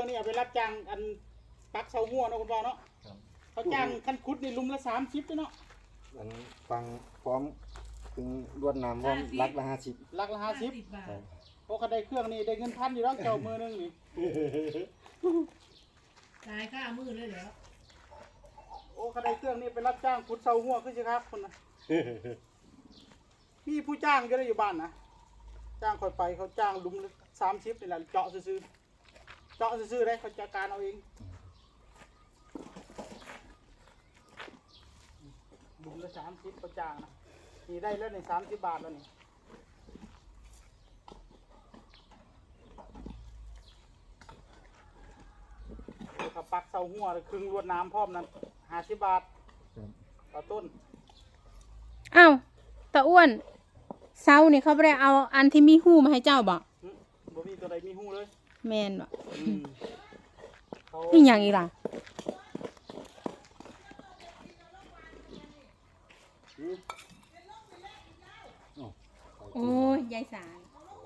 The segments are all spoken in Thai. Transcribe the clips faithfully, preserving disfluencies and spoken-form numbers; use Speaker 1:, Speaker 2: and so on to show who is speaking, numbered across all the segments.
Speaker 1: นี่เอาไปรับจ้างอันปักเสาหัวเนาะคุณพ่อเนาะเขาจ้างคันคุดนี่ลุมละสามสิบเนาะ
Speaker 2: อันฟังพร้อมถึงรวดน้ำพร้อมลักละห้าสิบ
Speaker 1: ลักละห้าสิบโอ้เขาได้เครื่องนี่ได้เงินพันอยู่แล้วเจ้ามือนึงนี่
Speaker 3: ตายค่ามือเลยแล้ว
Speaker 1: โอ้เขาได้เครื่องนี่ไปรับจ้างขุดเสาหัวขึ้นสิครับคนน่ะมีผู้จ้างก็ได้อยู่บ้านนะจ้างคอยไปเขาจ้างลุมสามสิบนี่แหละเจาะซื้อเจาะซื้อได้เขาจัดการเอาเองลุมละสามสิบเขาจ้างนะนี่ได้แล้วในสามสิบบาทแล้วนี่ถ้าปักเสาหัวครึ่งรวดน้ำพร้อมนั้นห้าสิบบาทต่อต้น
Speaker 4: อ้าวตาอ้วนเสานี่เขาไม่ได้เอาอันที่มีหูมาให้เจ้าบ่
Speaker 1: บ่มีตัวใดมีหูเลย
Speaker 4: แมนบ่นี่อย่างอีล่ะโอ้ยยายสาย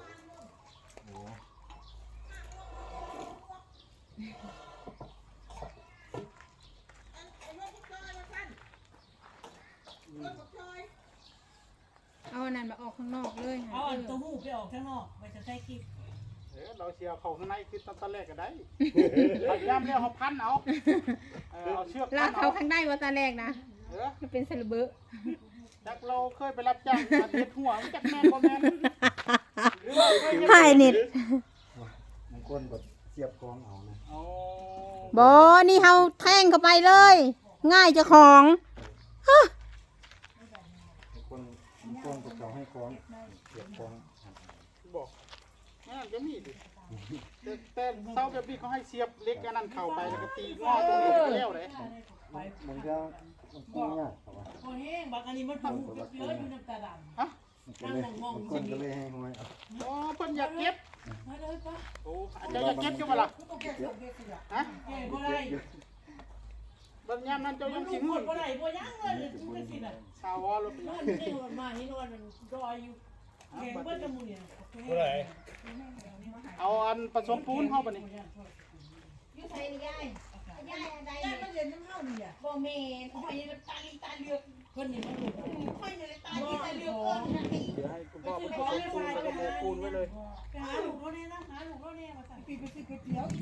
Speaker 4: เอาอันนั้นมาออกข้างนอกเลย
Speaker 3: เอาอันตัวหูไปออกข้างนอกไปจะใช้กิ๊บ
Speaker 1: เออเราเชียร์เขาข้างในคือตอนแรกก็ได้พยายามเรียกเขาพันเอาเอาเชือก
Speaker 4: ลากเขาข้างในว่าตาแรกนะ
Speaker 1: เออ
Speaker 4: มันเป็นสลบเบอร์
Speaker 1: จักเราเคยไปรับจ้างมาเด็ดหัวจักแม่นบ่แม่น
Speaker 4: หายนิด
Speaker 2: บางคนแบบเสียบคล้องเอานะ
Speaker 4: บอนี่เฮาแทงเข้าไปเลยง่ายเจ้าของ
Speaker 2: บางคนบางคนก็เขาให้คล้องเสียบคล้อง
Speaker 1: บอกนั่นจะมีดิแต่แต่เสาแบบนี้เขาให้เสียบเล็กอันนั้นเข้าไปแล้วก็ตีงอตรงนี้ก็แล้วเลย
Speaker 2: มันก็มันก็ยากครับว่า
Speaker 3: โอ้เฮงบางอันนี้มันหูเยอะอยู่น้ำตาดำ
Speaker 1: ฮะ
Speaker 2: นั่งมองๆคนก็เลยให้ห้อย
Speaker 1: อ๋อเพิ่นอยากเก็บ
Speaker 3: มาเลยป่ะ
Speaker 1: โอ้อาจจะอยากเก็บอยู่บ่ล่ะฮะ
Speaker 3: เก็บบ่ได้
Speaker 1: บางยามนั้นเจ้ายังสิงหุ่น
Speaker 3: บ่ได้บ่ยังเลยจังซี่น่ะ
Speaker 1: สาวรถเป็นนอน
Speaker 3: นี่นอนมานี่นอนมันรออยู่เก่งเบิดกับหมู่เนี่ย
Speaker 1: บ่ได้เอาอันผสมปูนเฮาบัดนี้
Speaker 3: อยู่ไสนี่ยายยายอันใดยายมาเรียนน้ำเฮานี่อ่ะบ่แม่นข่อยตาลีตาเลือกเพิ่นนี่มันข่อยนี่ตาลีตาเลือกเอิ้นนะ
Speaker 1: เดี๋ยวให้คุณพ่อผสมปูนแล้วก็โมปูนไว้เลย
Speaker 3: ไปหาลูกเราเนี่ยนะหาลูกเราเนี่ยมาสั่งปีไปซื้อก๋วยเตี๋ยว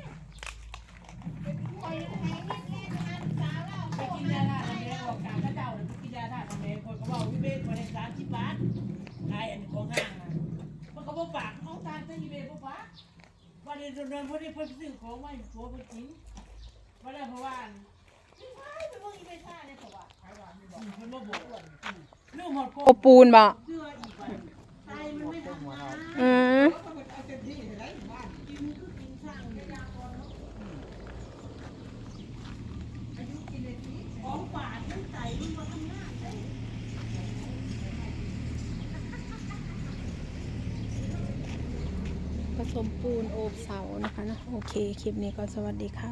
Speaker 3: ข่อยยังให้เฮ็ดแน่ๆนะสาวเราไปกินยาท่าทำแม่ออกจากพระเจ้าเลยไปกินยาท่าทำแม่คนก็เว้าวิเวกบ่ได้สามสิบบาทขายอันของห้างน่ะมันก็บ่ปากเอาตาซะอีเวบ่ปากวันนี้โดนๆเพิ่นได้เพิ่นซื้อของมาให้ผัวเพิ่นกินบ่ได้เพราะว่าไปเบิ่งอีเวท่าเนี่ยเพราะว่าขายหวานนี่บ่เพิ่นบ่บอกลืมหมดโ
Speaker 4: อปูนบ่
Speaker 3: เสื้ออีกว่าใส่มันไม่ทำงาน
Speaker 4: อืม
Speaker 3: เอาเต็มที่ได้บ้านกินคือกินช่างยาก่อนเนาะอายุกินเลยสิของฝาดมันใส่มันบ่ทำงานเด้
Speaker 4: ผสมปูนโอบเสานะคะนะโอเคคลิปนี้ก็สวัสดีค่ะ